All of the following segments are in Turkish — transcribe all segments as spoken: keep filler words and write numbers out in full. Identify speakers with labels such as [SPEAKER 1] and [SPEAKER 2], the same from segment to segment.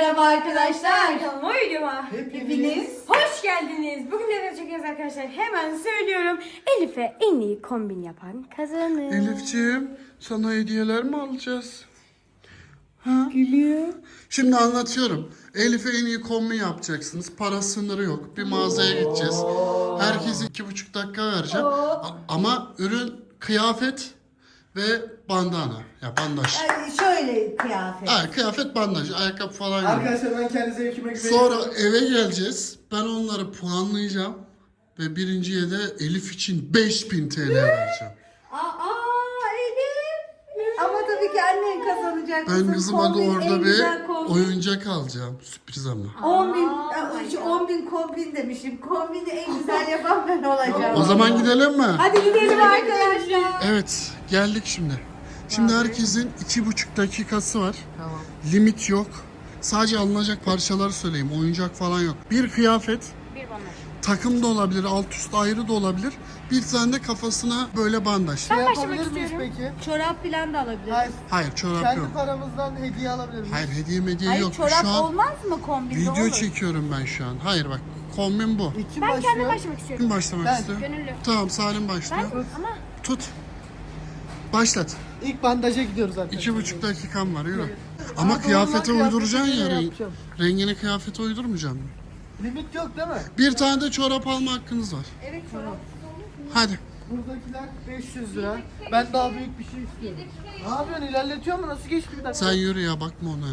[SPEAKER 1] Merhaba arkadaşlar.
[SPEAKER 2] Kanalıma videoma
[SPEAKER 1] Hepiniz
[SPEAKER 2] hoş geldiniz. Bugün neler çekiyoruz arkadaşlar? Hemen söylüyorum. Elif'e en iyi kombin yapan kazanır.
[SPEAKER 3] Elifciğim, sana hediyeler mi alacağız? Ha?
[SPEAKER 1] gülüyor.
[SPEAKER 3] Şimdi anlatıyorum. Elif'e en iyi kombin yapacaksınız. Para sınırı yok. Bir mağazaya gideceğiz. Herkese iki buçuk dakika vereceğim. A- Ama ürün kıyafet ve bandana. Ya bandaj.
[SPEAKER 1] Yani şöyle kıyafet.
[SPEAKER 3] Ha, kıyafet bandaj. Ayakkabı falan yok.
[SPEAKER 4] Arkadaşlar ben kendi zevkime güveniyorum.
[SPEAKER 3] Sonra eve geleceğiz. Ben onları puanlayacağım. Ve birinciye de Elif için beş bin T L vereceğim.
[SPEAKER 1] Aa Elif. Ama tabii ki annen kazanacak.
[SPEAKER 3] Ben
[SPEAKER 1] Kızım,
[SPEAKER 3] kızıma da
[SPEAKER 1] kombin, en
[SPEAKER 3] orada bir
[SPEAKER 1] güzel kombin.
[SPEAKER 3] oyuncak alacağım. Sürpriz ama.
[SPEAKER 1] on bin, on bin kombin demişim. Kombini en güzel yapan ben olacağım.
[SPEAKER 3] O zaman gidelim mi?
[SPEAKER 1] Hadi gidelim arkadaşlar.
[SPEAKER 3] Evet, geldik şimdi. Şimdi herkesin iki buçuk dakikası var.
[SPEAKER 4] Tamam.
[SPEAKER 3] Limit yok. Sadece alınacak parçaları söyleyeyim. Oyuncak falan yok. Bir kıyafet,
[SPEAKER 2] Bir bandaj.
[SPEAKER 3] takım da olabilir, alt üst ayrı da olabilir. Bir tane de kafasına böyle bandaj.
[SPEAKER 4] Şey
[SPEAKER 2] başlamak
[SPEAKER 4] yapabilir miyiz
[SPEAKER 2] istiyorum.
[SPEAKER 4] peki?
[SPEAKER 1] Çorap falan da alabiliriz.
[SPEAKER 4] Hayır.
[SPEAKER 3] Hayır, çorap
[SPEAKER 4] Kendi
[SPEAKER 3] yok.
[SPEAKER 4] paramızdan hediye alabilir miyiz?
[SPEAKER 3] Hayır, hediye mediye
[SPEAKER 1] Hayır
[SPEAKER 3] yok.
[SPEAKER 1] çorap
[SPEAKER 3] Şu an
[SPEAKER 1] olmaz mı kombinde
[SPEAKER 3] video
[SPEAKER 1] olur?
[SPEAKER 3] çekiyorum ben şu an. Hayır bak, kombin bu.
[SPEAKER 4] İlk kim
[SPEAKER 2] Ben
[SPEAKER 4] başlıyor?
[SPEAKER 2] kendim başlamak istiyorum.
[SPEAKER 3] Kim başlamak
[SPEAKER 4] Ben.
[SPEAKER 3] istiyor?
[SPEAKER 2] Gönüllü.
[SPEAKER 3] Tamam, Salim
[SPEAKER 2] Ben
[SPEAKER 3] başlıyor.
[SPEAKER 2] ama
[SPEAKER 3] Tut. Başlat.
[SPEAKER 4] İlk bandaja gidiyoruz arkadaşlar.
[SPEAKER 3] İki buçuk dakikam var, yürü. Ama
[SPEAKER 4] Ama
[SPEAKER 3] kıyafete
[SPEAKER 4] normal
[SPEAKER 3] uyduracaksın ya.
[SPEAKER 4] kıyafete
[SPEAKER 3] Renk,
[SPEAKER 4] yapacağım.
[SPEAKER 3] rengini kıyafete uydurmayacaksın.
[SPEAKER 4] Limit yok değil mi?
[SPEAKER 3] Bir tane de çorap alma hakkınız var.
[SPEAKER 1] Evet çorap.
[SPEAKER 3] Hadi.
[SPEAKER 4] Buradakiler beş yüz lira. Ben daha büyük bir şey istiyorum. Ne yapıyorsun? İlerletiyor mu? Nasıl geçti bir dakika?
[SPEAKER 3] Sen yürü ya, bakma ona ya.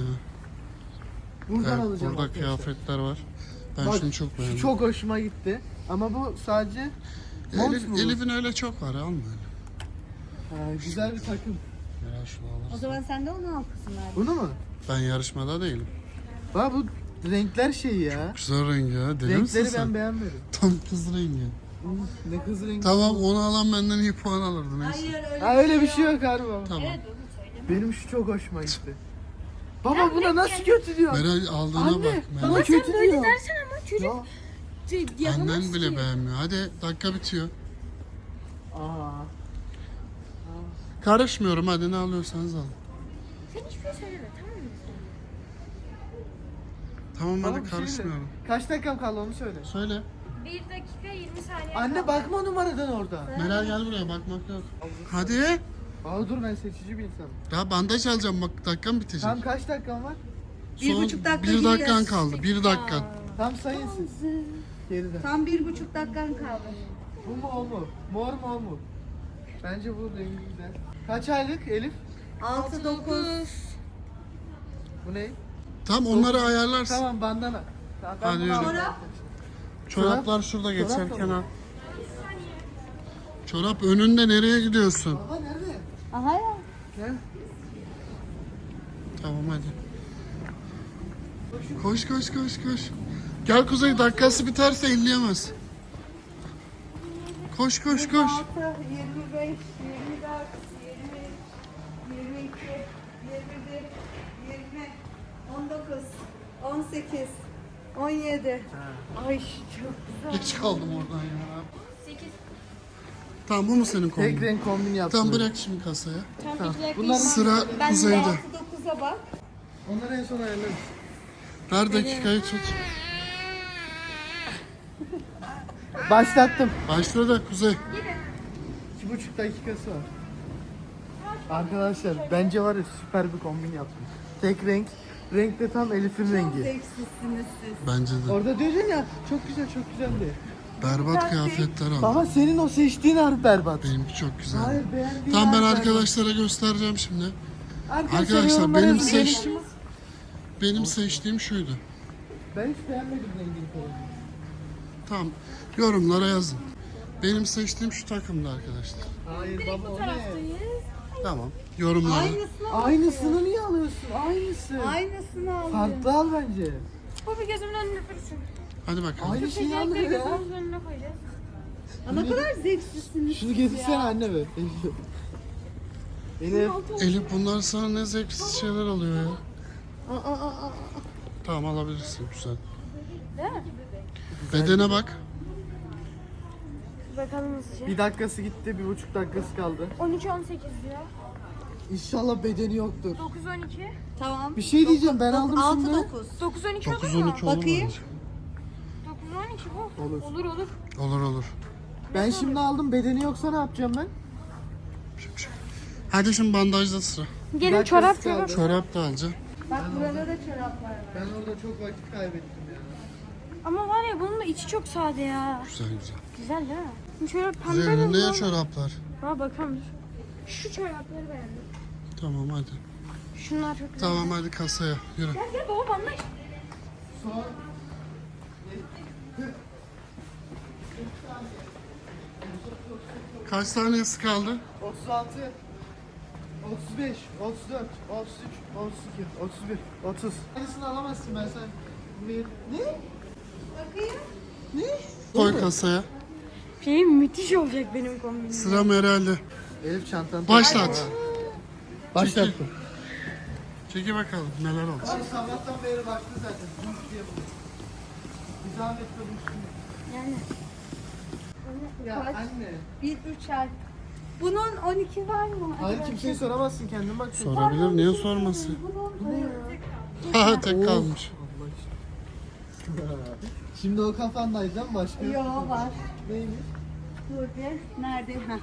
[SPEAKER 4] Buradan
[SPEAKER 3] Evet,
[SPEAKER 4] alacağım
[SPEAKER 3] burada
[SPEAKER 4] arkadaşlar.
[SPEAKER 3] kıyafetler var. Ben
[SPEAKER 4] Bak,
[SPEAKER 3] şunu çok
[SPEAKER 4] şu
[SPEAKER 3] beğendim.
[SPEAKER 4] çok hoşuma gitti. Ama bu sadece mont
[SPEAKER 3] Elif,
[SPEAKER 4] mu?
[SPEAKER 3] Elif'in öyle çok var, alma öyle.
[SPEAKER 4] Ha, güzel bir takım.
[SPEAKER 3] Ya şunu
[SPEAKER 1] O
[SPEAKER 3] alırsın.
[SPEAKER 1] zaman sen de onu al kızım abi.
[SPEAKER 4] Bunu mu?
[SPEAKER 3] Ben yarışmada değilim.
[SPEAKER 4] Bak bu renkler şey ya.
[SPEAKER 3] Güzel rengi ya, deli misin
[SPEAKER 4] Renkleri
[SPEAKER 3] sen?
[SPEAKER 4] ben beğenmedim.
[SPEAKER 3] Tam kız rengi.
[SPEAKER 4] Ne kız rengi.
[SPEAKER 3] Tamam, onu alan benden iyi puan alırdı neyse.
[SPEAKER 1] Hayır öyle.
[SPEAKER 4] Ha öyle bir şey yok harbi.
[SPEAKER 3] Tamam.
[SPEAKER 4] Benim şu çok hoşuma gitti. Baba buna nasıl kötü diyor?
[SPEAKER 3] Meral aldığına
[SPEAKER 4] Anne,
[SPEAKER 3] bak.
[SPEAKER 4] bana
[SPEAKER 3] Meral.
[SPEAKER 4] kötü
[SPEAKER 2] böyle
[SPEAKER 4] diyor.
[SPEAKER 2] dersen ama çocuk
[SPEAKER 4] Ya.
[SPEAKER 3] Annen bile beğenmiyor. Hadi, dakika bitiyor.
[SPEAKER 4] Aa.
[SPEAKER 3] Karışmıyorum, hadi ne alıyorsanız alın.
[SPEAKER 2] Sen hiçbir şey söyleme tamam mı?
[SPEAKER 3] Tamam,
[SPEAKER 4] Tamam,
[SPEAKER 3] hadi
[SPEAKER 4] bir şey
[SPEAKER 3] karışmıyorum.
[SPEAKER 4] söyle. Kaç dakikam kaldı onu söyle.
[SPEAKER 3] Söyle.
[SPEAKER 2] Bir dakika yirmi saniye.
[SPEAKER 4] Anne bakma numaradan orada.
[SPEAKER 3] Meral gel buraya, bakmak yok. Hadi.
[SPEAKER 4] Aa dur ben seçici bir insanım.
[SPEAKER 3] Ya bandaj alacağım, bak dakikam bitecek.
[SPEAKER 4] Tam kaç dakikam var?
[SPEAKER 1] Bir
[SPEAKER 3] Son
[SPEAKER 1] buçuk dakika
[SPEAKER 3] bir dakikan
[SPEAKER 1] gidiyoruz.
[SPEAKER 3] kaldı. Bir dakika.
[SPEAKER 4] Tam sayın siz. Geriden.
[SPEAKER 1] Tam bir buçuk dakikan kaldı.
[SPEAKER 4] Bu mu o mu? Mor mu o mu? Bence bu rengi güzel. Kaç aylık Elif?
[SPEAKER 1] Altı dokuz.
[SPEAKER 4] Bu ne?
[SPEAKER 3] Tam onları ayarlarsın.
[SPEAKER 4] Tamam bandana. Tamam, ben
[SPEAKER 3] Hadi
[SPEAKER 4] bunu
[SPEAKER 3] yürü.
[SPEAKER 4] aldım.
[SPEAKER 1] Çorap.
[SPEAKER 3] Çoraplar şurada
[SPEAKER 4] Çorap da
[SPEAKER 3] geçerken
[SPEAKER 4] mı?
[SPEAKER 3] al. Çorap önünde, nereye gidiyorsun?
[SPEAKER 4] Baba nerede?
[SPEAKER 1] Aha ya.
[SPEAKER 4] Gel.
[SPEAKER 3] Tamam hadi. Koş koş koş koş. Gel Kuzey, dakikası biterse elleyemez. Koş koş koş.
[SPEAKER 1] altı, yirmi beş, yirmi dört, yirmi, yirmi iki, yirmi bir, yirmi, on dokuz, on sekiz, on yedi. Ay çok güzel.
[SPEAKER 3] Geç kaldım oradan ya.
[SPEAKER 2] sekiz.
[SPEAKER 3] Tamam, bu mu senin
[SPEAKER 4] Tek
[SPEAKER 3] kombin?
[SPEAKER 4] renk kombin yaptım.
[SPEAKER 3] Tamam, bırak şimdi kasaya.
[SPEAKER 2] Tam
[SPEAKER 4] Tamam.
[SPEAKER 2] iki dakika.
[SPEAKER 4] Bunlar
[SPEAKER 3] Sıra
[SPEAKER 2] Ben de
[SPEAKER 3] Kuzey'de.
[SPEAKER 1] altı dokuza bak.
[SPEAKER 4] Onları en son ayarlarız.
[SPEAKER 3] Ver dakikayı tut.
[SPEAKER 4] Başlattım.
[SPEAKER 3] Başla da Kuzey.
[SPEAKER 4] İki buçuk dakikası var. Arkadaşlar bence var ya süper bir kombin yaptım. Tek renk. Renk de tam Elif'in
[SPEAKER 1] Çok
[SPEAKER 4] rengi.
[SPEAKER 1] zevksizsiniz siz.
[SPEAKER 3] Bence de.
[SPEAKER 4] Orada diyordun ya çok güzel çok güzel diye.
[SPEAKER 3] Berbat kıyafetler al.
[SPEAKER 4] Baba senin o seçtiğin harbi berbat.
[SPEAKER 3] Benimki çok güzel.
[SPEAKER 4] Hayır beğendiğin
[SPEAKER 3] Tamam, ben
[SPEAKER 4] harbi berbat.
[SPEAKER 3] arkadaşlara göstereceğim şimdi.
[SPEAKER 4] Arkadaşlar,
[SPEAKER 3] Arkadaşlar,
[SPEAKER 4] yorumlara
[SPEAKER 3] benim
[SPEAKER 4] yazın.
[SPEAKER 3] seç- Benim seçtiğim şuydu.
[SPEAKER 4] Ben hiç beğenmedim rengini falan.
[SPEAKER 3] Tamam, yorumlara yazın. Benim seçtiğim şu takımdı arkadaşlar.
[SPEAKER 4] Hayır baba o ne?
[SPEAKER 3] Tamam, yorumlara.
[SPEAKER 1] Aynısını al.
[SPEAKER 4] Aynısını niye alıyorsun? Aynısı.
[SPEAKER 1] Aynısını al.
[SPEAKER 4] Farklı al bence.
[SPEAKER 2] Bu bir gözümün önüne dursun.
[SPEAKER 3] Hadi bakalım.
[SPEAKER 4] Aynı şeyi
[SPEAKER 2] Seçenekleri
[SPEAKER 4] alıyor ya.
[SPEAKER 2] gözümüzün önüne koyacağız.
[SPEAKER 1] Aa, ne kadar zevksizsiniz
[SPEAKER 4] Şunu
[SPEAKER 1] siz
[SPEAKER 4] getirsene
[SPEAKER 1] ya.
[SPEAKER 4] anne be. Elif. Elif.
[SPEAKER 3] Elif, bunlar sana ne zevksiz şeyler alıyor ya.
[SPEAKER 1] Aa, aa, aa, aa.
[SPEAKER 3] Tamam, alabilirsin, güzel.
[SPEAKER 2] Değil mi?
[SPEAKER 3] Bedene bak.
[SPEAKER 2] Bakalım hızlıca.
[SPEAKER 4] Bir dakikası gitti, bir buçuk dakikası kaldı.
[SPEAKER 2] on üç on sekiz diyor.
[SPEAKER 4] İnşallah bedeni yoktur.
[SPEAKER 2] dokuz on iki.
[SPEAKER 1] Tamam.
[SPEAKER 4] Bir şey diyeceğim, ben aldım
[SPEAKER 1] altı
[SPEAKER 4] şimdi.
[SPEAKER 1] dokuz.
[SPEAKER 2] dokuz on iki olur
[SPEAKER 3] dokuz
[SPEAKER 2] mu?
[SPEAKER 3] on iki olur
[SPEAKER 1] Bakayım.
[SPEAKER 3] bence.
[SPEAKER 2] dokuz on iki bu.
[SPEAKER 4] Olur.
[SPEAKER 2] Olur olur.
[SPEAKER 3] Olur olur.
[SPEAKER 4] Ben şimdi aldım, bedeni yoksa ne yapacağım ben?
[SPEAKER 3] Hadi şimdi bandajda sıra.
[SPEAKER 2] Gelin
[SPEAKER 4] Dakikası
[SPEAKER 2] çorap
[SPEAKER 4] kaldı.
[SPEAKER 2] çorap.
[SPEAKER 3] Çorap da alacağım.
[SPEAKER 1] Bak burada da çoraplar var.
[SPEAKER 4] Ben orada çok vakit kaybettim ya.
[SPEAKER 2] Ama var ya bunun da içi çok sade ya.
[SPEAKER 3] Güzel güzel.
[SPEAKER 2] Güzel değil mi? Şimdi şöyle pembe
[SPEAKER 3] Güzel önünde ya
[SPEAKER 2] renk var.
[SPEAKER 3] çoraplar.
[SPEAKER 2] Ha bakalım dur. Şu çorapları beğendim.
[SPEAKER 3] Tamam hadi.
[SPEAKER 2] Şunlar çok güzel.
[SPEAKER 3] Tamam hadi kasaya yürü.
[SPEAKER 2] Gel gel baba bana.
[SPEAKER 4] Son.
[SPEAKER 3] Kaç saniyesi kaldı?
[SPEAKER 4] otuz altı, otuz beş, otuz dört, otuz üç, otuz iki, otuz bir, otuz. Aynısını alamazsın ben sen. Bir. Ne?
[SPEAKER 1] Bakayım.
[SPEAKER 4] Ne?
[SPEAKER 3] Koy kasaya.
[SPEAKER 2] Şey müthiş olacak benim kombinim.
[SPEAKER 3] Sıra Meral'de.
[SPEAKER 4] Elif çantanı
[SPEAKER 3] Başlat.
[SPEAKER 4] Başlattım.
[SPEAKER 3] Çeki bakalım neler oldu.
[SPEAKER 4] Abi sabahtan beri baktı zaten. Dur diye bu. Bir zahmet de bulsun.
[SPEAKER 2] Yani.
[SPEAKER 4] Ya
[SPEAKER 1] Kaç?
[SPEAKER 4] anne.
[SPEAKER 1] bir, üç ay. Bunun on iki var mı?
[SPEAKER 4] Hayır
[SPEAKER 1] Acaba
[SPEAKER 4] kimseye soramazsın, kendin bak.
[SPEAKER 3] Sorabilir niye sormasın?
[SPEAKER 1] Bunun
[SPEAKER 3] Ha tek kalmış.
[SPEAKER 4] Allah aşkına. Şimdi o kafandaydı değil mi başka?
[SPEAKER 1] Yo var.
[SPEAKER 4] Neymiş?
[SPEAKER 1] Dur bir. Nerede? Heh.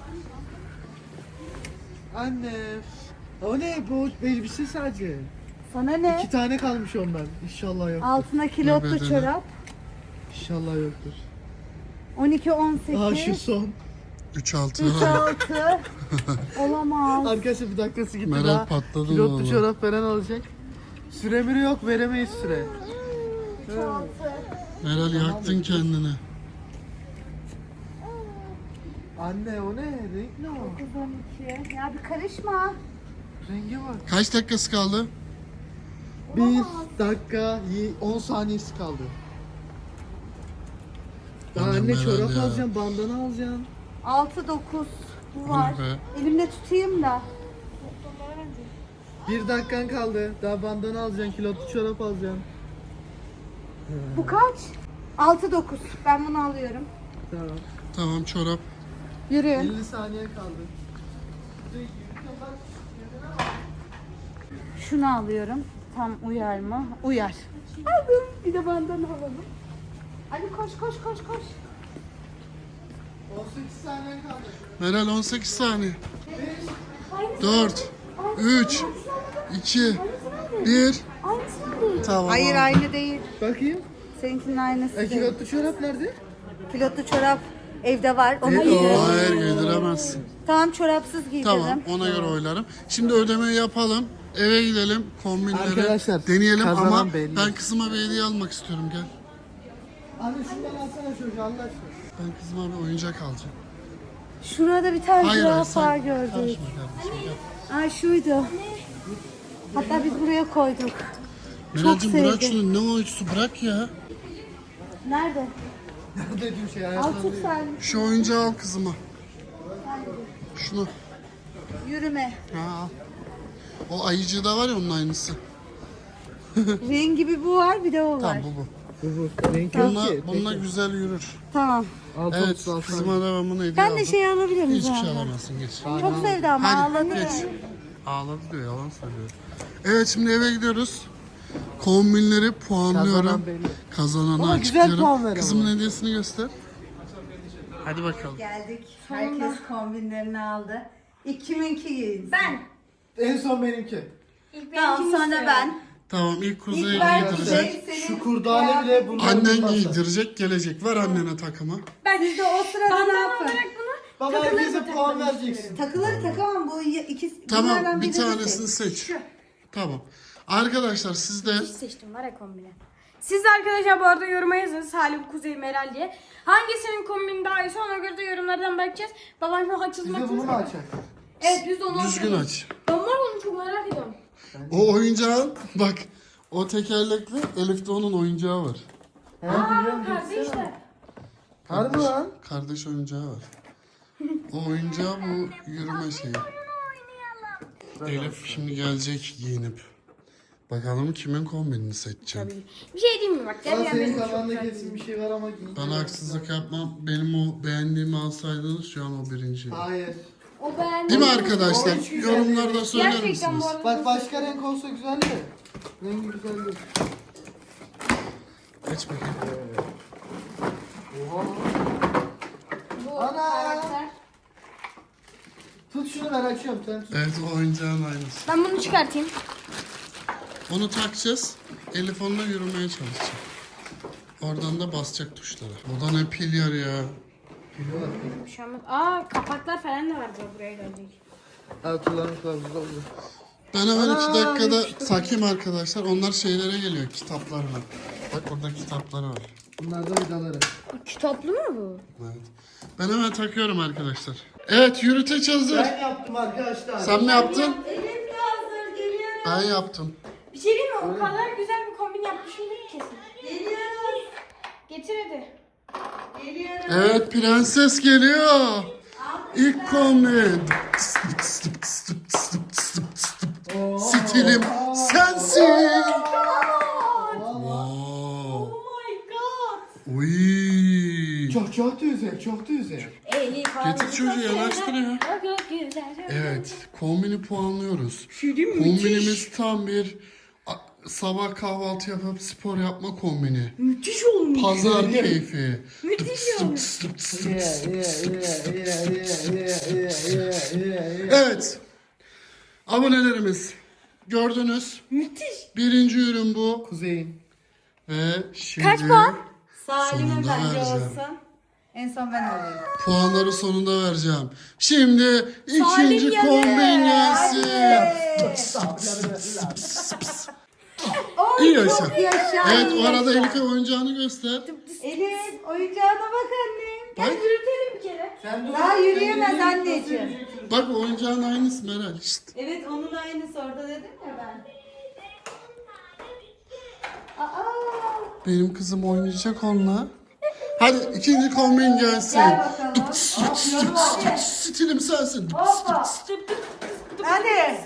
[SPEAKER 4] Anne. O ne bu elbise sadece.
[SPEAKER 1] Sana ne?
[SPEAKER 4] İki tane kalmış ondan. İnşallah yok.
[SPEAKER 1] Altına kilotlu
[SPEAKER 3] bedeni?
[SPEAKER 1] çorap.
[SPEAKER 4] İnşallah yoktur.
[SPEAKER 1] on iki on
[SPEAKER 4] Aha şu
[SPEAKER 1] sekiz.
[SPEAKER 4] son.
[SPEAKER 3] üç altı.
[SPEAKER 1] üç altı. Olamaz.
[SPEAKER 4] Arkadaşlar bir dakikası gitti
[SPEAKER 3] Meral
[SPEAKER 4] daha.
[SPEAKER 3] patladı
[SPEAKER 4] Pilotlu
[SPEAKER 3] vallahi.
[SPEAKER 4] çorap veren alacak. Süremiri yok, veremeyiz süre.
[SPEAKER 1] üç altı.
[SPEAKER 3] Meral yaktın kendini.
[SPEAKER 4] Anne o ne? Renk ne o?
[SPEAKER 1] dokuz on iki. Ya bir karışma.
[SPEAKER 4] Renge bak.
[SPEAKER 3] Kaç dakikası kaldı?
[SPEAKER 4] Bir dakika on saniyesi kaldı. Daha
[SPEAKER 3] Annem
[SPEAKER 4] anne
[SPEAKER 3] Meral
[SPEAKER 4] çorap
[SPEAKER 3] ya.
[SPEAKER 4] alacaksın, bandana alacaksın.
[SPEAKER 1] altı dokuz. Bu var.
[SPEAKER 3] be?
[SPEAKER 1] Elimde tutayım da.
[SPEAKER 4] Bir dakikan kaldı. Daha bandana alacaksın, kilotlu çorap alacaksın.
[SPEAKER 1] Bu kaç? altı dokuz. Ben bunu alıyorum.
[SPEAKER 4] Tamam.
[SPEAKER 3] Tamam çorap.
[SPEAKER 1] Yürüyün.
[SPEAKER 4] elli saniye kaldı.
[SPEAKER 1] Şunu alıyorum. Tam uyar mı? Uyar. Aldım. Bir de bandan alalım. Ali koş koş koş koş.
[SPEAKER 4] on sekiz saniye kaldı.
[SPEAKER 3] Meral on sekiz saniye. dört, üç, iki, bir. Tamam.
[SPEAKER 1] Hayır
[SPEAKER 3] abi.
[SPEAKER 1] aynı değil.
[SPEAKER 4] Bakayım.
[SPEAKER 1] Seninkinin aynısı
[SPEAKER 4] E,
[SPEAKER 1] değil.
[SPEAKER 4] kilotlu çorap nerede?
[SPEAKER 1] Pilotlu çorap evde var. Onu
[SPEAKER 4] Evet,
[SPEAKER 1] giydiririm.
[SPEAKER 3] Hayır giydiremezsin.
[SPEAKER 1] Tamam çorapsız giydiririm.
[SPEAKER 3] Tamam ona göre oylarım. Şimdi ödemeyi yapalım. Eve gidelim. Kombinleri
[SPEAKER 4] Arkadaşlar,
[SPEAKER 3] deneyelim
[SPEAKER 4] kazanan
[SPEAKER 3] ama
[SPEAKER 4] belli.
[SPEAKER 3] ben kızıma bir hediye almak istiyorum gel.
[SPEAKER 4] Anne şundan alsana çocuğu Allah aşkına.
[SPEAKER 3] Ben kızıma bir oyuncak alacağım.
[SPEAKER 1] Şurada bir tane
[SPEAKER 3] Hayır hayır
[SPEAKER 1] zürafa
[SPEAKER 3] sen
[SPEAKER 1] gördük.
[SPEAKER 3] karışma kardeşim gel.
[SPEAKER 1] Ay şuydu. Hatta biz buraya koyduk.
[SPEAKER 3] Meral'cim bırak
[SPEAKER 1] sevdim.
[SPEAKER 3] şunu ne oyuncusu bırak ya.
[SPEAKER 1] Nerede?
[SPEAKER 4] Dediğim şey
[SPEAKER 1] Al
[SPEAKER 4] hayatımda
[SPEAKER 1] tut
[SPEAKER 4] değil.
[SPEAKER 1] sen.
[SPEAKER 3] Şu oyuncağı al kızıma. Şunu.
[SPEAKER 1] Yürüme.
[SPEAKER 3] Ha, al. O ayıcığı da var ya onun aynısı.
[SPEAKER 1] Rengi bir bu var bir de o var.
[SPEAKER 3] Tamam bu bu.
[SPEAKER 4] Bu bu. Renk yok
[SPEAKER 3] Bununla,
[SPEAKER 4] ki.
[SPEAKER 3] bununla güzel yürür.
[SPEAKER 1] Tamam.
[SPEAKER 4] Altı
[SPEAKER 3] Evet
[SPEAKER 4] otuz altı.
[SPEAKER 3] kızıma da ben bunu hediye
[SPEAKER 1] Ben
[SPEAKER 3] aldım.
[SPEAKER 1] de şey alabilir miyim?
[SPEAKER 3] Hiçbir şey
[SPEAKER 1] zaten?
[SPEAKER 3] alamazsın geç.
[SPEAKER 1] Çok sevdi ama
[SPEAKER 3] Hadi
[SPEAKER 1] ağladı.
[SPEAKER 3] geç. Ağladı diyor yalan söylüyor. Evet şimdi eve gidiyoruz. Kombinleri puanlıyorum.
[SPEAKER 4] Kazanan belli.
[SPEAKER 3] Kazananı
[SPEAKER 4] Ama güzel
[SPEAKER 3] açıklıyorum.
[SPEAKER 4] puan ver ama.
[SPEAKER 3] Kızımın hediyesini göster. Hadi bakalım.
[SPEAKER 1] Geldik. Herkes kombinlerini aldı. İlk kiminki giyinsin?
[SPEAKER 2] Ben.
[SPEAKER 4] En son benimki.
[SPEAKER 2] İlk
[SPEAKER 1] Tamam
[SPEAKER 2] benimkini
[SPEAKER 1] sonra
[SPEAKER 2] istiyorum.
[SPEAKER 1] ben.
[SPEAKER 3] Tamam ilk Kuzey'i
[SPEAKER 1] İlk ben
[SPEAKER 3] giydirecek.
[SPEAKER 1] Kuzey, senin
[SPEAKER 4] Şu kurdale bile bundan
[SPEAKER 3] Annen
[SPEAKER 4] olmazsa.
[SPEAKER 3] giydirecek gelecek. Ver annene takımı.
[SPEAKER 2] Ben
[SPEAKER 1] Siz de o sırada ne
[SPEAKER 2] bandana
[SPEAKER 1] yapın?
[SPEAKER 2] olarak bunu
[SPEAKER 4] Baba
[SPEAKER 2] takılır
[SPEAKER 4] herkese
[SPEAKER 2] mı
[SPEAKER 4] puan
[SPEAKER 2] takılır
[SPEAKER 4] vereceksin.
[SPEAKER 1] Takıları takamam bu ikisi.
[SPEAKER 3] Tamam
[SPEAKER 1] bunlardan
[SPEAKER 3] bir
[SPEAKER 1] birini
[SPEAKER 3] tanesini
[SPEAKER 1] seç.
[SPEAKER 3] seç. Tamam. Arkadaşlar siz de
[SPEAKER 2] Hiç seçtim var ya kombine. Siz de arkadaşlar bu arada yoruma yazın Salih, Kuzey, Meral diye. Hangisinin kombini daha iyiyse ona göre de yorumlardan bakacağız. Babam şu haksız
[SPEAKER 4] Bir de bunu
[SPEAKER 2] haksız.
[SPEAKER 4] mu açacak?
[SPEAKER 2] Evet biz de onu
[SPEAKER 3] düzgün
[SPEAKER 2] açalım.
[SPEAKER 3] aç.
[SPEAKER 2] Ben var onu çok merak ediyorum.
[SPEAKER 3] O oyuncağı bak o tekerlekli Elif'te onun oyuncağı var.
[SPEAKER 4] He biliyorum.
[SPEAKER 2] Kardeşler.
[SPEAKER 4] Harbi lan.
[SPEAKER 3] Kardeş oyuncağı var. O oyuncağı bu yürüme şeyi. Elif şimdi gelecek giyinip. Bakalım kimin kombinini seçeceğim.
[SPEAKER 2] Bir şey diyeyim mi bak? Gel
[SPEAKER 4] Aa,
[SPEAKER 2] gel
[SPEAKER 4] senin
[SPEAKER 2] benim çok
[SPEAKER 4] kafanda
[SPEAKER 2] güzel
[SPEAKER 4] kesin bir şey var ama giyin.
[SPEAKER 3] Ben haksızlık yapmam. Benim o beğendiğimi alsaydınız şu an o birinci.
[SPEAKER 4] Hayır.
[SPEAKER 2] O ben.
[SPEAKER 3] Değil mi arkadaşlar?
[SPEAKER 4] Orange güzel.
[SPEAKER 3] Yorumlarda söyler
[SPEAKER 2] Gerçekten
[SPEAKER 3] misiniz?
[SPEAKER 2] bu arada.
[SPEAKER 4] Bak başka renk olsa güzel de. Rengi güzel değil.
[SPEAKER 3] Geç bakayım.
[SPEAKER 4] Oha.
[SPEAKER 2] Bu
[SPEAKER 4] Ana!
[SPEAKER 2] karakter.
[SPEAKER 4] Tut şunu ben açıyorum sen tut.
[SPEAKER 3] Evet o oyuncağın aynısı.
[SPEAKER 2] Ben bunu çıkartayım.
[SPEAKER 3] Onu takacağız. Elif onunla yürümeye çalışacak. Oradan da basacak tuşlara. O da ne pil yer ya.
[SPEAKER 4] Biliyorlar.
[SPEAKER 2] Bir şey olmaz. Aa kapaklar falan da vardı buraya gelecek.
[SPEAKER 4] Evet kullanım kılavuzu oldu.
[SPEAKER 3] Ben hemen
[SPEAKER 4] Ana,
[SPEAKER 3] iki dakikada
[SPEAKER 4] yapıştı.
[SPEAKER 3] takayım arkadaşlar. Onlar şeylere geliyor, kitaplarla. Bak orada kitapları var.
[SPEAKER 4] Bunlar da vidaları.
[SPEAKER 2] Kitaplı mı bu?
[SPEAKER 3] Evet. Ben hemen takıyorum arkadaşlar. Evet yürüteç hazır.
[SPEAKER 4] Ben yaptım arkadaşlar.
[SPEAKER 3] Sen mi yaptın?
[SPEAKER 1] Elif de hazır geliyorum.
[SPEAKER 3] Ben yaptım.
[SPEAKER 2] Bir şey diyeyim mi? O kadar güzel bir kombin yapmışımdır ki kesin.
[SPEAKER 1] Geliyoruz.
[SPEAKER 2] Getir hadi.
[SPEAKER 1] Geliyorum.
[SPEAKER 3] Evet prenses geliyor. İlk kombin. Stilim sensin. Wow.
[SPEAKER 2] Oh my god.
[SPEAKER 3] Uy.
[SPEAKER 4] Çok çok da güzel, çok da güzel.
[SPEAKER 2] Elif
[SPEAKER 3] Getir çocuğu yanaştır ya.
[SPEAKER 2] Çok güzel.
[SPEAKER 3] Evet kombini puanlıyoruz.
[SPEAKER 2] Şey diyeyim mi?
[SPEAKER 3] Kombinimiz tam bir a- sabah kahvaltı yapıp spor yapma kombini.
[SPEAKER 2] Müthiş olmuş.
[SPEAKER 3] Pazar keyfi.
[SPEAKER 2] Müthiş olmuş.
[SPEAKER 4] Yeah, yeah, yeah, yeah, yeah, yeah, yeah, yeah, yeah.
[SPEAKER 3] Evet. Abonelerimiz gördünüz.
[SPEAKER 2] Müthiş.
[SPEAKER 3] Birinci ürün bu.
[SPEAKER 4] Kuzey'in.
[SPEAKER 3] Ve şimdi
[SPEAKER 2] Kaç puan?
[SPEAKER 1] Salim'in
[SPEAKER 3] Sonunda
[SPEAKER 1] bence
[SPEAKER 3] vereceğim.
[SPEAKER 1] olsun. En son ben olayım.
[SPEAKER 3] puanları sonunda vereceğim. Şimdi ikinci
[SPEAKER 2] Salim
[SPEAKER 3] kombin gelsin. İyi yaşa.
[SPEAKER 1] Çok yaşa.
[SPEAKER 3] Evet
[SPEAKER 1] iyi
[SPEAKER 3] o arada
[SPEAKER 1] yaşa.
[SPEAKER 3] Elif'e oyuncağını göster.
[SPEAKER 1] Elif oyuncağına bak annem.
[SPEAKER 2] Gel yürütelim bir kere.
[SPEAKER 4] Sen dur.
[SPEAKER 1] Daha yürüyemez
[SPEAKER 4] Sen yürü,
[SPEAKER 1] anneciğim.
[SPEAKER 4] yürü, yürü.
[SPEAKER 3] Bak o oyuncağın aynısı Meral. Şşt.
[SPEAKER 1] Evet onun aynısı orada dedim ya ben. Aa,
[SPEAKER 3] Benim kızım oynayacak onunla. Hadi ikinci kombin gelsin.
[SPEAKER 1] gel bakalım.
[SPEAKER 3] Stilim sensin.
[SPEAKER 1] Hoppa. Hadi.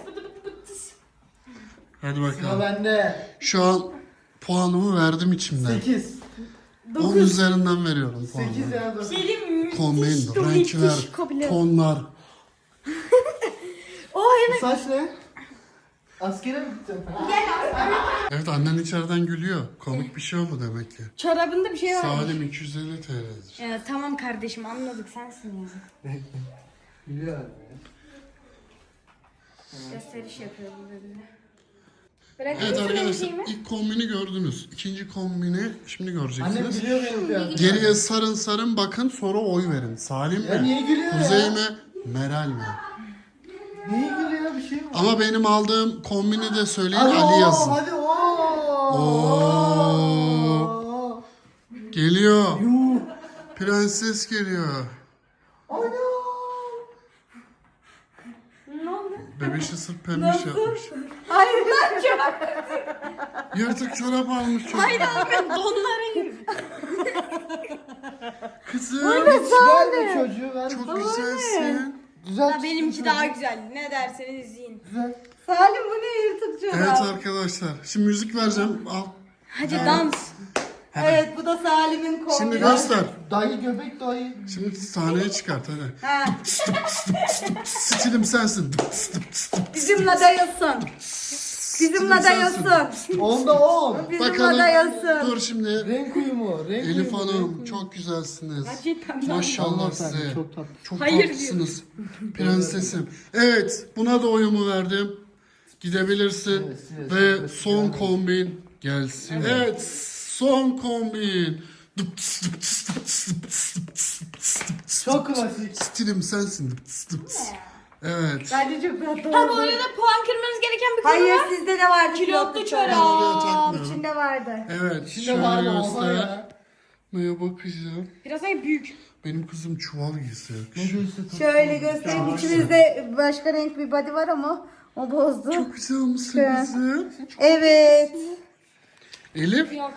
[SPEAKER 3] Hadi
[SPEAKER 4] Sıra
[SPEAKER 3] bakalım.
[SPEAKER 4] bende.
[SPEAKER 3] Şu an puanımı verdim içimden.
[SPEAKER 4] sekiz.
[SPEAKER 3] on üzerinden veriyorum puanımı.
[SPEAKER 4] sekiz ya da.
[SPEAKER 2] Gelin müthiş.
[SPEAKER 3] Kombin,
[SPEAKER 2] dur, müthiş
[SPEAKER 3] renkler,
[SPEAKER 2] kombin.
[SPEAKER 3] tonlar.
[SPEAKER 2] Oh hemen.
[SPEAKER 4] Saç ne? Askere mi gittin?
[SPEAKER 3] Evet annen içeriden gülüyor. Komik bir şey oldu demek ki.
[SPEAKER 2] Çorabında bir şey var.
[SPEAKER 3] Salim iki yüz elli T L'dir.
[SPEAKER 2] Ya, tamam kardeşim anladık sensin ya.
[SPEAKER 4] Biliyor abi.
[SPEAKER 2] Gösteriş yapıyor bu bize. Bırakın
[SPEAKER 3] Evet
[SPEAKER 2] evet,
[SPEAKER 3] arkadaşlar
[SPEAKER 2] şeyimi.
[SPEAKER 3] ilk kombini gördünüz. İkinci kombini şimdi
[SPEAKER 4] Annem
[SPEAKER 3] göreceksiniz.
[SPEAKER 4] biliyor benim kıyafetimi.
[SPEAKER 3] Geriye sarın sarın bakın sonra oy verin. Salim
[SPEAKER 4] Ya niye
[SPEAKER 3] mi?
[SPEAKER 4] gülüyor
[SPEAKER 3] Kuzey
[SPEAKER 4] ya?
[SPEAKER 3] mi? Meral mi?
[SPEAKER 4] Niye gülüyor bir şey mi?
[SPEAKER 3] Ama benim aldığım kombini de söyleyin
[SPEAKER 4] Hadi
[SPEAKER 3] Ali
[SPEAKER 4] oo,
[SPEAKER 3] yazın.
[SPEAKER 4] Hadi ooo.
[SPEAKER 3] Oo. Geliyor.
[SPEAKER 4] Yuh.
[SPEAKER 3] Prenses geliyor.
[SPEAKER 4] Ana.
[SPEAKER 2] Ne oldu?
[SPEAKER 3] Bebişi sırf pembiş yapmış.
[SPEAKER 1] Hayır lan çok.
[SPEAKER 3] Yırtık çorap almış çocuk.
[SPEAKER 2] Hayır abi ben donlara yürüyorum.
[SPEAKER 3] Kızım
[SPEAKER 4] Ver de çocuğu ver.
[SPEAKER 3] çok güzelsin.
[SPEAKER 4] Güzel.
[SPEAKER 2] Benimki daha güzel. Ne derseniz izleyin.
[SPEAKER 4] Güzel.
[SPEAKER 1] Salim bu ne yırtık çorap?
[SPEAKER 3] Evet arkadaşlar. Şimdi müzik vereceğim. Al.
[SPEAKER 2] Hadi dans.
[SPEAKER 1] Evet bu da Salim'in kombini.
[SPEAKER 3] Şimdi göster.
[SPEAKER 4] Dayı göbek dayı.
[SPEAKER 3] Şimdi sahneye çıkart hadi.
[SPEAKER 1] Ha,
[SPEAKER 3] Stilim sensin.
[SPEAKER 1] bizimle dayılsın. Bizimle dayılsın.
[SPEAKER 4] Onda on.
[SPEAKER 1] Bizimle
[SPEAKER 3] Bakalım.
[SPEAKER 1] dayılsın.
[SPEAKER 3] Dur şimdi.
[SPEAKER 4] Renk uyumu. Renk
[SPEAKER 3] Elif
[SPEAKER 4] uyumu,
[SPEAKER 3] Hanım
[SPEAKER 4] renk uyumu.
[SPEAKER 3] çok güzelsiniz.
[SPEAKER 2] Gerçekten.
[SPEAKER 3] Maşallah
[SPEAKER 4] Allah sen,
[SPEAKER 3] size.
[SPEAKER 4] çok tatlı.
[SPEAKER 3] Çok
[SPEAKER 2] Hayır
[SPEAKER 3] tatlısınız. Prensesim. Evet buna da oyumu verdim. Gidebilirsin.
[SPEAKER 4] Evet, evet,
[SPEAKER 3] Ve
[SPEAKER 4] evet,
[SPEAKER 3] son
[SPEAKER 4] evet.
[SPEAKER 3] kombin gelsin. Evet son kombin.
[SPEAKER 4] Çok klasik.
[SPEAKER 3] Stilim sensin. Evet.
[SPEAKER 1] Bence çok tatlı
[SPEAKER 2] Ha bu
[SPEAKER 1] oldu.
[SPEAKER 2] arada puan kırmanız gereken bir konu
[SPEAKER 1] Hayır
[SPEAKER 2] var.
[SPEAKER 1] sizde de vardı.
[SPEAKER 2] Kilotlu
[SPEAKER 1] çorap.
[SPEAKER 3] Ben oraya
[SPEAKER 2] çorap.
[SPEAKER 3] takmıyorum.
[SPEAKER 1] İçinde vardı.
[SPEAKER 3] Evet.
[SPEAKER 4] Şimdi
[SPEAKER 3] Şöyle
[SPEAKER 4] var mı? Oha
[SPEAKER 3] göster.
[SPEAKER 4] ya.
[SPEAKER 3] Neye bakacağım.
[SPEAKER 2] Biraz daha büyük.
[SPEAKER 3] Benim kızım çuval giysi.
[SPEAKER 4] Ne diyorsun?
[SPEAKER 1] Şöyle göstereyim. İçimizde başka renk bir body var ama o bozdu.
[SPEAKER 3] Çok güzel misin
[SPEAKER 1] Şu an.
[SPEAKER 3] kızım?
[SPEAKER 1] Evet.
[SPEAKER 3] Elif.
[SPEAKER 2] Yok.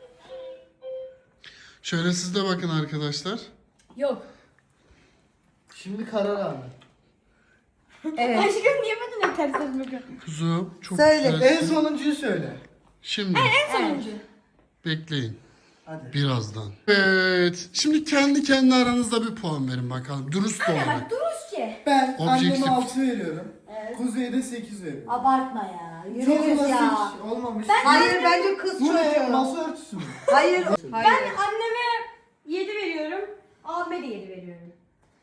[SPEAKER 3] Şöyle siz de bakın arkadaşlar.
[SPEAKER 2] Yok.
[SPEAKER 4] Şimdi karar aldı.
[SPEAKER 1] Evet.
[SPEAKER 2] Aşkım niye benden ters ters bakıyorsun?
[SPEAKER 3] Kuzum çok
[SPEAKER 1] Söyle.
[SPEAKER 4] En
[SPEAKER 3] güzelsin.
[SPEAKER 4] sonuncuyu söyle.
[SPEAKER 3] Şimdi
[SPEAKER 2] En sonuncu.
[SPEAKER 3] bekleyin.
[SPEAKER 4] Hadi.
[SPEAKER 3] Birazdan. Evet. Şimdi kendi kendi aranızda bir puan verin bakalım. Dürüst olun.
[SPEAKER 2] Bak duruz ki.
[SPEAKER 4] Ben
[SPEAKER 3] Objektif.
[SPEAKER 4] anneme altı veriyorum. Kuzey'e de sekiz veriyorum.
[SPEAKER 1] Abartma ya.
[SPEAKER 4] Çok
[SPEAKER 1] Yürüyüz
[SPEAKER 4] klasik
[SPEAKER 1] ya.
[SPEAKER 4] olmamış.
[SPEAKER 1] Hayır bence kız
[SPEAKER 4] Bu ne?
[SPEAKER 1] çocuğu.
[SPEAKER 4] Masa örtüsü mü?
[SPEAKER 1] Hayır.
[SPEAKER 2] Ben
[SPEAKER 1] Hayır.
[SPEAKER 2] anneme yedi veriyorum. Abime de yedi veriyorum.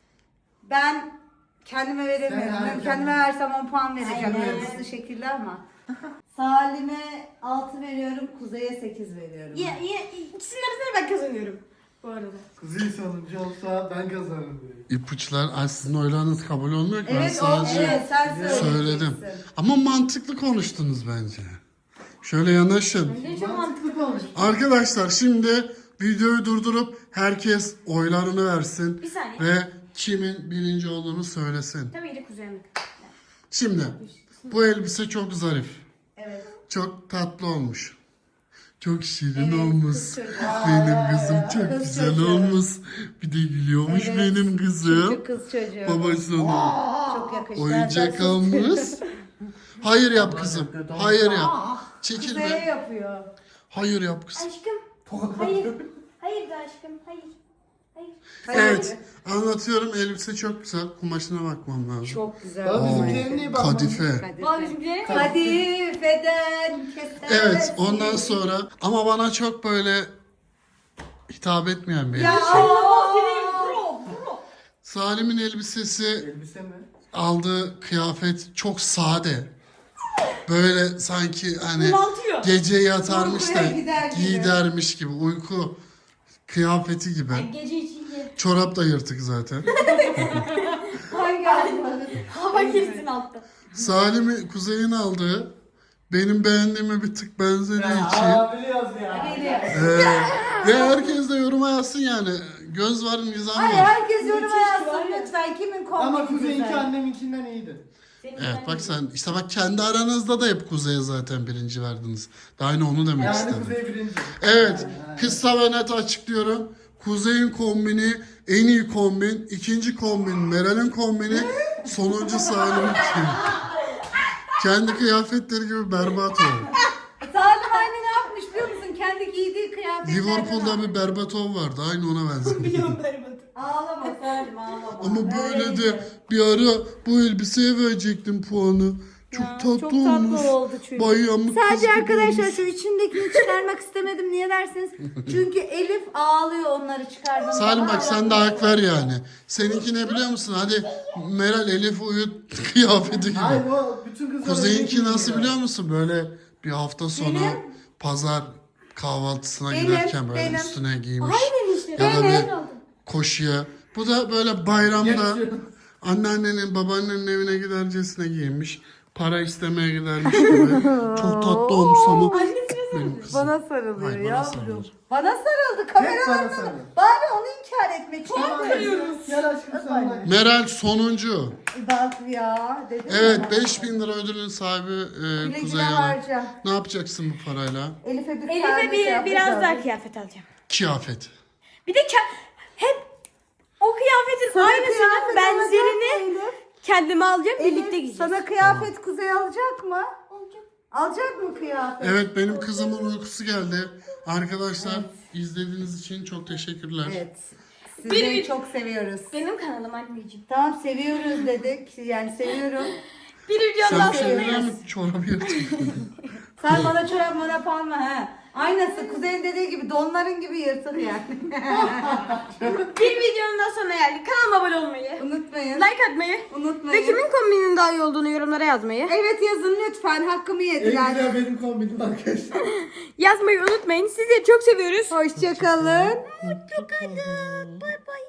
[SPEAKER 1] Ben kendime veremiyorum.
[SPEAKER 4] Sen
[SPEAKER 1] Ben
[SPEAKER 4] erken-
[SPEAKER 1] kendime versem on puan vereceğim.
[SPEAKER 2] Aynen.
[SPEAKER 1] Yıldızlı şekilde ama. Salim'e altı veriyorum. Kuzey'e sekiz veriyorum.
[SPEAKER 2] Ya, ya, ikisinin arasında ben kazanıyorum. Bu arada.
[SPEAKER 4] Kuzey sonuncu olsa ben kazanırım diyor.
[SPEAKER 3] İpuçlar ay sizin oylarınız kabul olmuyor ki. Ben
[SPEAKER 1] Evet, o,
[SPEAKER 3] sadece
[SPEAKER 1] evet sen söyleyeceksin.
[SPEAKER 3] söyledim. Ama mantıklı konuştunuz bence. Şöyle yanaşın.
[SPEAKER 2] Bence çok mantıklı.
[SPEAKER 4] Mantıklı konuş.
[SPEAKER 3] Arkadaşlar şimdi videoyu durdurup herkes oylarını versin.
[SPEAKER 2] Bir saniye.
[SPEAKER 3] Ve kimin birinci olduğunu söylesin.
[SPEAKER 2] Tabii ki kuzenim.
[SPEAKER 3] Şimdi bu elbise çok zarif.
[SPEAKER 1] Evet.
[SPEAKER 3] Çok tatlı olmuş. Çok şirin
[SPEAKER 1] Evet,
[SPEAKER 3] olmuş.
[SPEAKER 1] kız çocuğu.
[SPEAKER 3] Benim kızım çok
[SPEAKER 1] Kız
[SPEAKER 3] güzel
[SPEAKER 1] çocuğu.
[SPEAKER 3] olmuş. Bir de gülüyormuş
[SPEAKER 1] Evet,
[SPEAKER 3] benim kızım.
[SPEAKER 1] Çocuk kız çocuğu.
[SPEAKER 3] Babasına
[SPEAKER 1] Çok yakıştı.
[SPEAKER 3] oyuncak
[SPEAKER 1] Sen-
[SPEAKER 3] almış. Hayır yap kızım. Hayır yap. Çekil
[SPEAKER 1] Kuzey'e
[SPEAKER 3] be.
[SPEAKER 1] yapıyor.
[SPEAKER 3] Hayır yap kızım.
[SPEAKER 2] Aşkım. Hayır. Hayır da aşkım. Hayır. Hayır.
[SPEAKER 3] Evet. Anlatıyorum. Elbise çok güzel. Kumaşına bakmam lazım.
[SPEAKER 1] Çok güzel.
[SPEAKER 4] Baba
[SPEAKER 3] Oo,
[SPEAKER 4] bizimkilerin niye bakmadın?
[SPEAKER 3] Kadife.
[SPEAKER 2] Baba bizimkilerin
[SPEAKER 1] Kadifeden keser.
[SPEAKER 3] Evet. Ondan sonra ama bana çok böyle hitap etmeyen bir
[SPEAKER 1] Ya.
[SPEAKER 3] elbise.
[SPEAKER 2] Bro, bro.
[SPEAKER 3] Salim'in elbisesi,
[SPEAKER 4] Elbise mi?
[SPEAKER 3] aldığı kıyafet çok sade. Böyle sanki hani
[SPEAKER 2] Bunaltıyor.
[SPEAKER 3] gece yatarmış da
[SPEAKER 1] Uykuya gider gibi.
[SPEAKER 3] giydermiş gibi uyku kıyafeti gibi.
[SPEAKER 2] Gece için ye.
[SPEAKER 3] Çorap da yırtık zaten.
[SPEAKER 1] Hangi anlamadın?
[SPEAKER 2] Hava girsin altta.
[SPEAKER 3] Salim'i Kuzey'in aldığı benim beğendiğime bir tık benzediği için.
[SPEAKER 4] Aa biliyoruz ya.
[SPEAKER 1] Geliyor.
[SPEAKER 3] Ee, ve herkes de yoruma yazsın yani. Göz var, nizam
[SPEAKER 1] Hayır
[SPEAKER 3] var.
[SPEAKER 1] herkes yoruma
[SPEAKER 2] Müthiş
[SPEAKER 1] yazsın
[SPEAKER 2] var.
[SPEAKER 1] lütfen. Kimin kombini
[SPEAKER 4] Ama Kuzey'inki
[SPEAKER 1] güzel?
[SPEAKER 4] anneminkinden iyiydi.
[SPEAKER 3] Evet bak sen işte bak kendi aranızda da hep Kuzey'e zaten birinci verdiniz. Daha ne onu demek
[SPEAKER 4] Yani
[SPEAKER 3] istedim.
[SPEAKER 4] Kuzey birinci.
[SPEAKER 3] Evet kısa ve net açıklıyorum. Kuzey'in kombini en iyi kombin. İkinci kombin Meral'in kombini. Sonuncu Salim'inki. Kendi kıyafetleri gibi berbat oldu.
[SPEAKER 1] Salim aynı ne yapmış biliyor musun? Kendi giydiği kıyafetlerden
[SPEAKER 3] Liverpool'da bir Berbatov vardı. Aynı ona benziyor.
[SPEAKER 2] Biliyorum berbat.
[SPEAKER 1] Ağlama Salim ağlama.
[SPEAKER 3] Ama böyle
[SPEAKER 1] Öyleydi.
[SPEAKER 3] de bir ara bu elbiseye verecektim puanı. Çok
[SPEAKER 1] Ya,
[SPEAKER 3] tatlı
[SPEAKER 1] çok
[SPEAKER 3] olmuş.
[SPEAKER 1] tatlı oldu çünkü.
[SPEAKER 3] Bayramlık kız
[SPEAKER 1] Sadece
[SPEAKER 3] gibi
[SPEAKER 1] arkadaşlar
[SPEAKER 3] olmuş.
[SPEAKER 1] şu içindekini çıkarmak istemedim. Niye dersiniz? Çünkü Elif ağlıyor onları çıkardığında.
[SPEAKER 3] Salim bak sen de hak ver yani. Seninki ne biliyor musun? Hadi Meral Elif uyut kıyafeti gibi.
[SPEAKER 4] Hayır o bütün kızlar
[SPEAKER 3] Kuzeyinki
[SPEAKER 4] öyle
[SPEAKER 3] nasıl
[SPEAKER 4] giyiniyor.
[SPEAKER 3] biliyor musun? Böyle bir hafta sonu
[SPEAKER 1] Benim-
[SPEAKER 3] pazar kahvaltısına
[SPEAKER 1] Benim,
[SPEAKER 3] giderken böyle
[SPEAKER 1] benim.
[SPEAKER 3] üstüne giymiş.
[SPEAKER 2] Aynen işte.
[SPEAKER 3] Ya da
[SPEAKER 2] Benim.
[SPEAKER 3] bir koşuya. Bu da böyle bayramda
[SPEAKER 4] Yakışıyor.
[SPEAKER 3] anneannenin babaannenin evine gidercesine giyinmiş. Para istemeye gidermiş gibi. Çok tatlı olmuş ama benim kızım.
[SPEAKER 1] Bana sarılıyor
[SPEAKER 3] Ay, bana
[SPEAKER 1] yavrum.
[SPEAKER 3] sarılır.
[SPEAKER 1] Bana sarıldı
[SPEAKER 4] Hep bana
[SPEAKER 1] kameralarına.
[SPEAKER 4] sarılıyor.
[SPEAKER 1] Bari onu inkar etmek
[SPEAKER 4] Tamam,
[SPEAKER 1] istiyorum.
[SPEAKER 4] Gel aşkım sen de.
[SPEAKER 3] Meral sonuncu.
[SPEAKER 1] Bak ya dedim
[SPEAKER 3] Evet
[SPEAKER 1] ya.
[SPEAKER 3] beş bin lira ödülün sahibi e,
[SPEAKER 1] Güle güle
[SPEAKER 3] Kuzey Hanım.
[SPEAKER 1] harca.
[SPEAKER 3] Ne yapacaksın bu parayla?
[SPEAKER 1] Elif'e bir
[SPEAKER 2] Elif'e
[SPEAKER 1] tane
[SPEAKER 2] bir,
[SPEAKER 1] kıyafet
[SPEAKER 2] biraz
[SPEAKER 1] aldım.
[SPEAKER 2] daha kıyafet alacağım.
[SPEAKER 3] Kıyafet.
[SPEAKER 2] Bir de ke- hep o kıyafetin
[SPEAKER 1] Sana
[SPEAKER 2] aynısının
[SPEAKER 1] kıyafet alacak mı
[SPEAKER 2] benzerini
[SPEAKER 1] Elif?
[SPEAKER 2] kendime alacağım.
[SPEAKER 1] Elif,
[SPEAKER 2] Birlikte giyeceğiz.
[SPEAKER 1] sana kıyafet Kuzey alacak mı?
[SPEAKER 2] Olacak.
[SPEAKER 1] Alacak mı kıyafet?
[SPEAKER 3] Evet benim kızımın uykusu geldi. Arkadaşlar izlediğiniz için çok teşekkürler.
[SPEAKER 1] Evet. Sizi
[SPEAKER 2] Bir-
[SPEAKER 1] çok seviyoruz.
[SPEAKER 2] Benim kanalım anneciğim.
[SPEAKER 1] Tamam seviyoruz dedik. Yani seviyorum.
[SPEAKER 2] Bir videonun daha
[SPEAKER 3] Sen
[SPEAKER 2] sonundayız.
[SPEAKER 3] seviyor musun çorabı yırtık?
[SPEAKER 1] Sen bana çorap morap alma ha. Aynısı Kuzey'in dediği gibi donların gibi yırtık yani.
[SPEAKER 2] Bir videonun daha sonuna geldik. Kanalıma abone olmayı,
[SPEAKER 1] Unutmayın.
[SPEAKER 2] like atmayı
[SPEAKER 1] Unutmayın.
[SPEAKER 2] ve kimin kombinin daha iyi olduğunu yorumlara yazmayı.
[SPEAKER 1] Evet yazın lütfen. Hakkımı
[SPEAKER 4] En
[SPEAKER 1] yediler.
[SPEAKER 4] güzel benim kombinim arkadaşlar.
[SPEAKER 2] Yazmayı unutmayın. Sizleri çok seviyoruz.
[SPEAKER 1] Hoşçakalın.
[SPEAKER 2] Mutlu kalın. Bay bay.